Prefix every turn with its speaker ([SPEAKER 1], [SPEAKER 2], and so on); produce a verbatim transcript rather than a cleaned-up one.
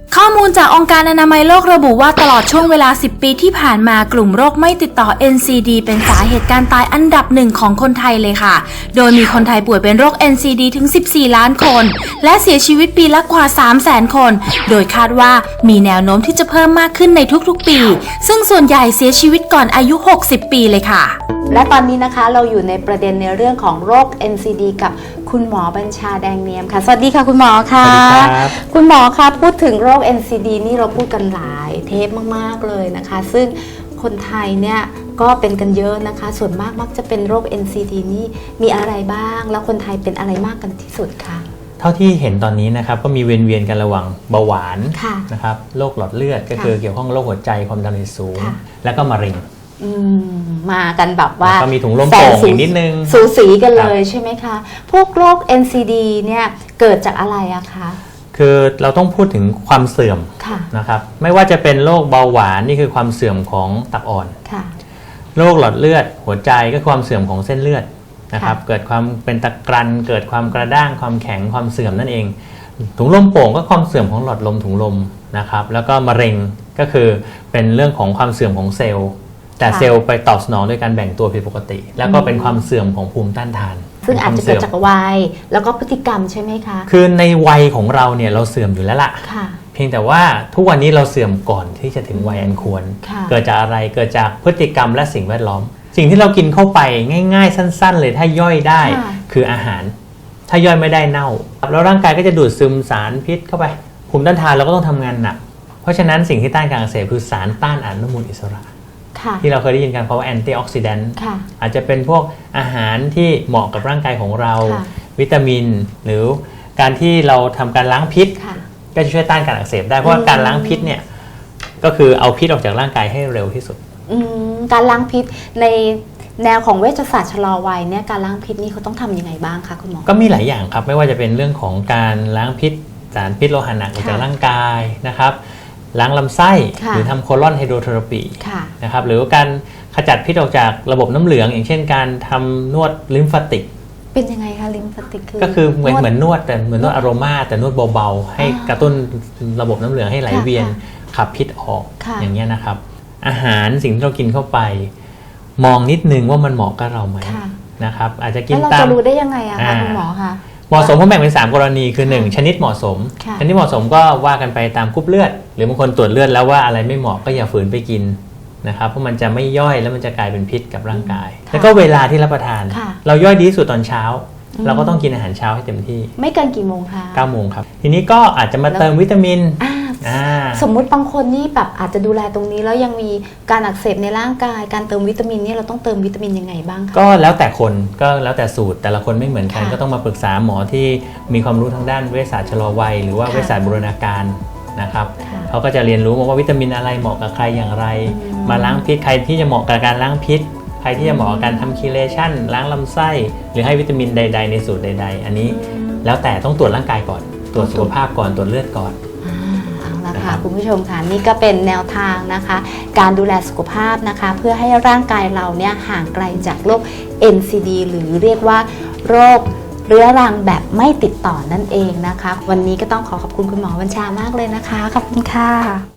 [SPEAKER 1] ข้อมูลจากองค์การอนามัยโลกระบุว่าตลอดช่วงเวลาสิบปีที่ผ่านมากลุ่มโรคไม่ติดต่อ เอ็น ซี ดี เป็นสาเหตุการตายอันดับหนึ่งของคนไทยเลยค่ะโดยมีคนไทยป่วยเป็นโรค เอ็น ซี ดี ถึงสิบสี่ล้านคนและเสียชีวิตปีละกว่า สามแสน คนโดยคาดว่ามีแนวโน้มที่จะเพิ่มมากขึ้นในทุกๆปีซึ่งส่วนใหญ่เสียชีวิตก่อนอายุหกสิบปีเลยค่ะ
[SPEAKER 2] และตอนนี้นะคะเราอยู่ในประเด็นในเรื่องของโรค เอ็น ซี ดี กับคุณหมอบัญชาแดงเนียมค่ะสวัสดีค่ะคุณหมอค่ะสวัสดีครับคุณหมอคะพูดถึงโรค เอ็น ซี ดี นี่เราพูดกันหลายเทปมากๆเลยนะคะซึ่งคนไทยเนี่ยก็เป็นกันเยอะนะคะส่วนมากมักจะเป็นโรค เอ็น ซี ดี นี่มีอะไรบ้างแล้วคนไทยเป็นอะไรมากกันที่สุดคะ
[SPEAKER 3] เท่าที่เห็นตอนนี้นะครับก็มีเวียนๆกันระหว่างเบาหวานนะครับโรคหลอดเลือดก็คือเกี่ยวข้องโรคหัวใจความดันโลหิตสูงแล้วก็มะเร็ง
[SPEAKER 2] มากันแบบว่า
[SPEAKER 3] ก็มีถุงลมโป่งอีกนิดนึง
[SPEAKER 2] สูสีกันเลยใช่ไหมคะพวกโรค เอ็น ซี ดี เนี่ยเกิดจากอะไรอะคะ
[SPEAKER 3] คือเราต้องพูดถึงความเสื่อมนะครับไม่ว่าจะเป็นโรคเบาหวานนี่คือความเสื่อมของตับอ่อนโรคหลอดเลือดหัวใจก็ความเสื่อมของเส้นเลือดนะครับเกิดความเป็นตะกรันเกิดความกระด้างความแข็งความเสื่อมนั่นเองถุงลมโป่งก็ความเสื่อมของหลอดลมถุงลมนะครับแล้วก็มะเร็งก็คือเป็นเรื่องของความเสื่อมของเซลล์แต่เซลล์ไปตอบสนองโดยการแบ่งตัวผิดปกติแล้วก็เป็นความเสื่อมของภูมิต้านทาน
[SPEAKER 2] ซึ่งอาจจะเกิดจากวัยแล้วก็พฤติกรรมใช่ไหมคะ
[SPEAKER 3] คือในวัยของเราเนี่ยเราเสื่อมอยู่แล้วล่ะเพียงแต่ว่าทุกวันนี้เราเสื่อมก่อนที่จะถึงวัยอันควรเกิดจากอะไรเกิดจากพฤติกรรมและสิ่งแวดล้อมสิ่งที่เรากินเข้าไปง่ายๆสั้นๆเลยถ้าย่อยได้คืออาหารถ้าย่อยไม่ได้เน่าแล้วร่างกายก็จะดูดซึมสารพิษเข้าไปภูมิต้านทานเราก็ต้องทำงานหนักเพราะฉะนั้นสิ่งที่ต้านการอักเสบคือสารต้านอนุมูลอิสระที่เราเคยได้ยินกันเพราะว่าแอนตี้ออกซิแดนต์อาจจะเป็นพวกอาหารที่เหมาะกับร่างกายของเราวิตามินหรือการที่เราทำการล้างพิษก็จะช่วยต้านการอักเสบได้เพราะว่าการล้างพิษเนี่ยก็คือเอาพิษออกจากร่างกายให้เร็วที่สุด
[SPEAKER 2] การล้างพิษในแนวของเวชศาสตร์ชะลอวัยเนี่ยการล้างพิษนี่เขาต้องทำยังไงบ้างคะคุณหมอ
[SPEAKER 3] ก็มีหลายอย่างครับไม่ว่าจะเป็นเรื่องของการล้างพิษสารพิษโลหะหนักออกจากร่างกายนะครับล้างลำไส้หรือทำโคลอนไฮโดรเทอราปีนะครับหรือการขจัดพิษออกจากระบบน้ำเหลืองอย่างเช่นการทำนวดลิมฟาติก
[SPEAKER 2] เป็นยังไงคะลิมฟาติกคือ
[SPEAKER 3] ก็คือเหมือนเหมือนนวดแต่เหมือนนวดอโรมาแต่นวดเบาๆให้กระตุ้นระบบน้ำเหลืองให้ไหลเวียนขับพิษออกอย่างเงี้ยนะครับอาหารสิ่งที่เรากินเข้าไปมองนิดนึงว่ามันเหมาะกับเราไหมนะครับอาจจะกินตาม
[SPEAKER 2] แล้วเราจะรู้ได้ยังไงอะคะคุณหมอคะ
[SPEAKER 3] เหมาะสมผมแบ่งเป็นสามกรณีคือหนึ่งชนิดเหมาะสมชนิดเหมาะสมก็ว่ากันไปตามกรุ๊ปเลือดหรือบางคนตรวจเลือดแล้วว่าอะไรไม่เหมาะก็อย่าฝืนไปกินนะครับเพราะมันจะไม่ย่อยแล้วมันจะกลายเป็นพิษกับร่างกายแล้วก็เวลาที่รับประทานเราย่อยดีที่สุดตอนเช้าเราก็ต้องกินอาหารเช้าให้เต็มที่
[SPEAKER 2] ไม่เกินกี่โมงคะ
[SPEAKER 3] เก้าโมงครับทีนี้ก็อาจจะมาเติมวิตามิน
[SPEAKER 2] สมมุติบางคนนี่แบบอาจจะดูแลตรงนี้แล้วยังมีการอักเสบในร่างกายการเติมวิตามินนี่เราต้องเติมวิตามินยังไงบ้างคะ
[SPEAKER 3] ก็แล้วแต่คนก็แล้วแต่สูตรแต่ละคนไม่เหมือนกันก็ต้องมาปรึกษาหมอที่มีความรู้ทางด้านเวชศาสตร์ชะลอวัยหรือว่าเวชศาสตร์บูรณาการนะครับเขาก็จะเรียนรู้มาว่าวิตามินอะไรเหมาะกับใครอย่างไรมาล้างพิษใครที่จะเหมาะกับการล้างพิษใครที่จะเหมาะกับการทำคีเลชั่นล้างลำไส้หรือให้วิตามินใดๆในสูตรใดๆอันนี้แล้วแต่ต้องตรวจร่างกายก่อนตรวจสุขภาพก่อนตรวจเลือดก่อน
[SPEAKER 2] นะคะคุณผู้ชมค่ะนี่ก็เป็นแนวทางนะคะการดูแลสุขภาพนะคะเพื่อให้ร่างกายเราเนี่ยห่างไกลจากโรค เอ็น ซี ดี หรือเรียกว่าโรคเรื้อรังแบบไม่ติดต่อนั่นเองนะคะวันนี้ก็ต้องขอขอบคุณคุณหมอบัญชามากเลยนะคะขอบคุณค่ะ